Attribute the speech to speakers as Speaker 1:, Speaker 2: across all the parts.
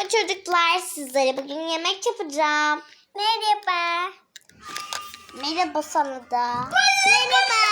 Speaker 1: Merhaba çocuklar, sizlere bugün yemek yapacağım. Merhaba. Merhaba sana da. Merhaba.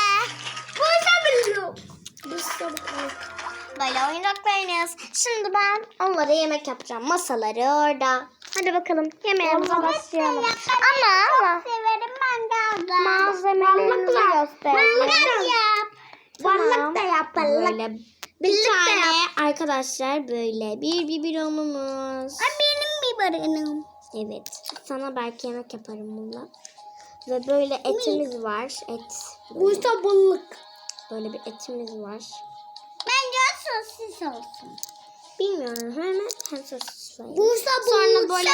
Speaker 1: Böyle oyuncaklar oynuyoruz. Şimdi ben onlara yemek yapacağım. Masaları orada. Hadi bakalım yemeğimize başlayalım. Ama
Speaker 2: Severim mangalda.
Speaker 1: malzemelerimizi göstereceğim.
Speaker 2: Balık da yap.
Speaker 1: Böyle bir tane arkadaşlar böyle bir biberonumuz.
Speaker 2: Benim biberim.
Speaker 1: Evet. Sana belki yemek yaparım bununla. Ve böyle etimiz var. Et.
Speaker 2: Bu da balık.
Speaker 1: Böyle bir etimiz var.
Speaker 2: Bence sosis olsun.
Speaker 1: Bilmiyorum. Hem sosis var.
Speaker 2: Bu da
Speaker 1: Sonra böyle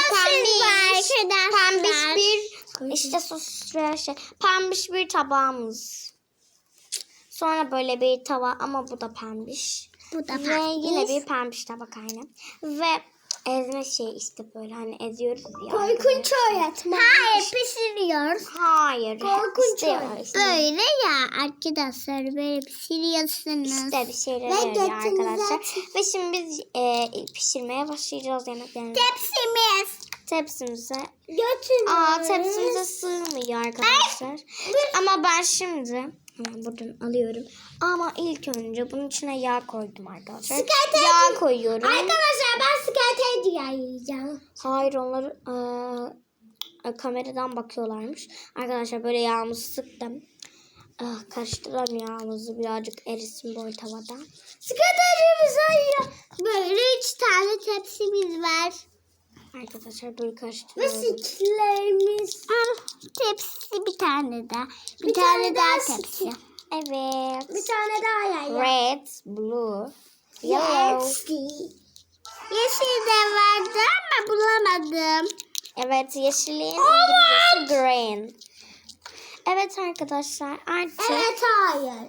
Speaker 2: pembiş
Speaker 1: bir işte sosis veya pembiş bir tabağımız. Sonra böyle bir tava ama bu da pembiş.
Speaker 2: Bu da
Speaker 1: Ve yine bir pembiş tabak aynı. Ve ezme şey işte böyle hani eziyoruz ya.
Speaker 2: Korkunç öğretmen. Hayır pişiriyoruz.
Speaker 1: Hayır.
Speaker 2: Korkunç
Speaker 1: işte
Speaker 2: öğretmen. Böyle ya arkadaşlar böyle pişiriyorsunuz.
Speaker 1: İşte bir şeyler
Speaker 2: Ve
Speaker 1: yarıyor
Speaker 2: götünüze
Speaker 1: arkadaşlar. Ve şimdi biz pişirmeye başlayacağız yemeklerimizi. Tepsimize. Tepsimize sığmıyor arkadaşlar. Ama ben şimdi hemen buradan alıyorum. Ama ilk önce bunun içine yağ koydum arkadaşlar. Yağ koyuyorum.
Speaker 2: Arkadaşlar ben skate yiyeceğim.
Speaker 1: Hayır onları kameradan bakıyorlarmış. Arkadaşlar böyle yağımızı sıktım. Karıştıralım yağımızı birazcık erisin böyle tavada.
Speaker 2: Skaterimiz ayıyor. Böyle 3 tane tepsimiz var.
Speaker 1: Arkadaşlar böyle
Speaker 2: Ve
Speaker 1: karıştırıyorum.
Speaker 2: sütlerimiz. Tepsi bir tane daha. Bir tane daha tepsi.
Speaker 1: Evet.
Speaker 2: Bir tane daha yayla.
Speaker 1: Red, blue, yellow.
Speaker 2: Yeşil de vardı ama bulamadım.
Speaker 1: Evet yeşilin İngilizcesi green. Evet arkadaşlar artık
Speaker 2: Evet hayır.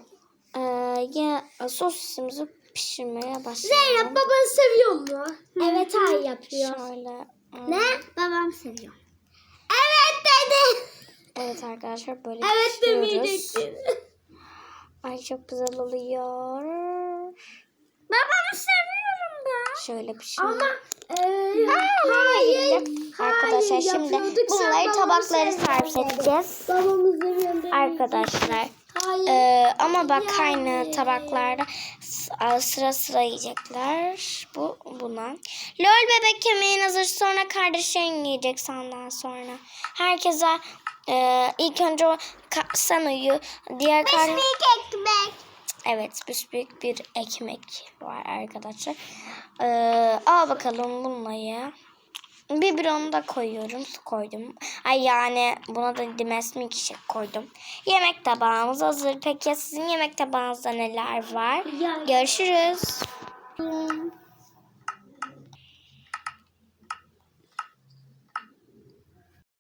Speaker 1: sosisimizi pişirmeye başlayalım.
Speaker 2: Zeynep baban seviyor mu? Evet hayır yapıyor.
Speaker 1: Şöyle.
Speaker 2: Ne? Babam seviyor. Evet dedi.
Speaker 1: Evet arkadaşlar böyle
Speaker 2: Evet
Speaker 1: pişiriyoruz.
Speaker 2: demeyecektin.
Speaker 1: Ay çok güzel oluyor.
Speaker 2: Babamı seviyorum ben.
Speaker 1: Şöyle pişiriyoruz.
Speaker 2: Ama
Speaker 1: hayır. Arkadaşlar şimdi
Speaker 2: yapıyorduk. Sen
Speaker 1: bunları
Speaker 2: babamı
Speaker 1: tabakları
Speaker 2: sevmedin.
Speaker 1: servis edeceğiz.
Speaker 2: Babamı seviyorum.
Speaker 1: Arkadaşlar.
Speaker 2: Hayır.
Speaker 1: Ama bak aynı tabaklarda sıra sıra yiyecekler. Buna. Lol bebek yemeğin hazır. Sonra kardeşlerin yiyecek senden sonra. Herkese ilk önce sen uyu. Diğer
Speaker 2: Ekmek.
Speaker 1: Evet, büyük bir ekmek var arkadaşlar. Al bakalım bunları. Biberonu da koyuyorum. Su koydum. Ay yani buna da Dimes milkshake koydum. Yemek tabağımız hazır. Peki ya sizin yemek tabağınızda neler var? Görüşürüz.